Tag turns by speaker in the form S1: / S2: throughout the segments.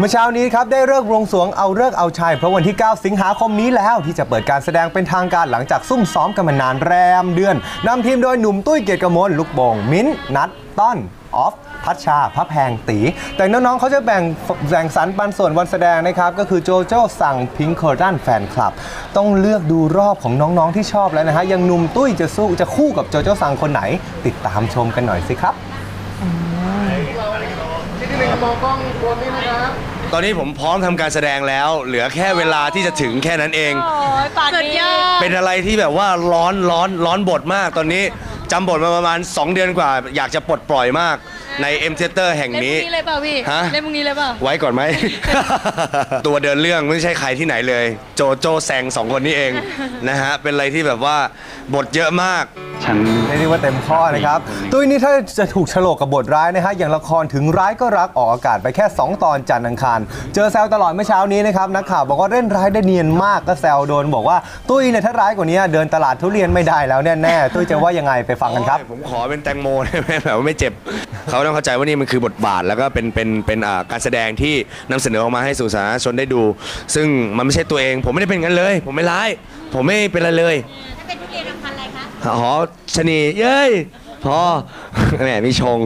S1: มื่อเช้านี้ครับได้เลิกบวงสรวงเอาฤกษ์เอาชัยเพราะวันที่ 9 สิงหาคมนี้แล้วที่จะเปิดการแสดงเป็นทางการหลังจากซุ่มซ้อมกันมานานแรมเดือนนำทีมโดยหนุ่มตุ้ยเกียรติกมลลูกโป่งมิ้นท์นัทต้นออฟพัชชาพระแพงตีแต่น้องๆเขาจะแบ่งสรรปันส่วนวันแสดงนะครับก็คือโจโจ้สั่งพิงค์เคอร์ตันแฟนคลับต้องเลือกดูรอบของน้องๆที่ชอบแล้วนะฮะยังหนุ่มตุ้ยจะคู่กับโจโจ้สั่งคนไหนติดตามชมกันหน่อยสิครับ
S2: ตอนนี้ผมพร้อมทำการแสดงแล้วเหลือแค่เวลาที่จะถึงแค่นั้นเอง
S3: สุดยอด
S2: เป็นอะไรที่แบบว่าร้อนบทมากตอนนี้จำบทมาประมาณ2 เดือนกว่าอยากจะปลดปล่อยมากใน M Theater แห่งนี้
S3: เล่นพรุ่งนี้เลยเปล่าพี่เล่นพรุ่งนี้เลยเปล่า
S2: ไว้ก่อนไหม ตัวเดินเรื่องไม่ใช่ใครที่ไหนเลยโจโจ้แซง2 คนนี้เองนะฮะเป็นอะไรที่แบบว่าบทเยอะมาก
S1: เรียกว่าเต็มข้อนะครับตุ้ยนี่ถ้าจะถูกฉลกกับบทร้ายนะฮะอย่างละครถึงร้ายก็รักออกอากาศไปแค่2 ตอนจันทร์อังคารเจอแซวตลอดเมื่อเช้านี้นะครับนักข่าวบอกว่าเล่นร้ายได้เนียนมากก็แซวโดนบอกว่าตุ้ยเนี่ยถ้าร้ายกว่านี้เดินตลาดทุเรียนไม่ได้แล้วแน่ๆตุ้ยจะว่ายังไงไปฟังกันครับ
S2: ผมขอเป็นแตงโมได้ไหมแบบว่าไม่เจ็บเขาต้องเข้าใจว่านี่มันคือบทบาทแล้วก็เป็นการแสดงที่นำเสนอออกมาให้สู่สาธารณชนได้ดูซึ่งมันไม่ใช่ตัวเองผมไม่ได้เป็นงั้นเลยผมไม่ร้ายผมไม่เป็นอะไรเลย
S3: ถ้าเป็นทุเรียนพันธุ์อะไรคะ
S2: อ๋อชนีเย้ยพอแหมมีชง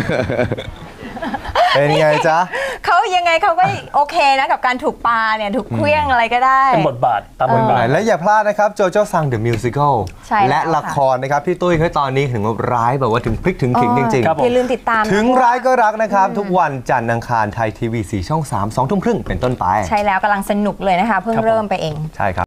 S1: เป็นไงจ๊ะ
S4: เขายังไงเขาก็โอเคนะกับการถูกปาเนี่ยถูกเคลี้ยงอะไรก็ได้
S5: เป็นบทบาทตามบทบาท
S1: และอย่าพลาดนะครับโจโจ้ซังเดอะมิวสิคลและละครนะครับพี่ตุ้ยเขาตอนนี้ถึงร้ายแบบว่าถึงพลิกถึงขิงจริงๆ
S4: อย่าลืมติดตาม
S1: ถึงร้ายก็รักนะครับทุกวันจันทร์อังคารไทยทีวี4 ช่อง 3 2 ทุ่มครึ่งเป็นต้นไป
S4: ใช่แล้วกำลังสนุกเลยนะคะเพิ่งเริ่มไปเอง
S1: ใช่ครับ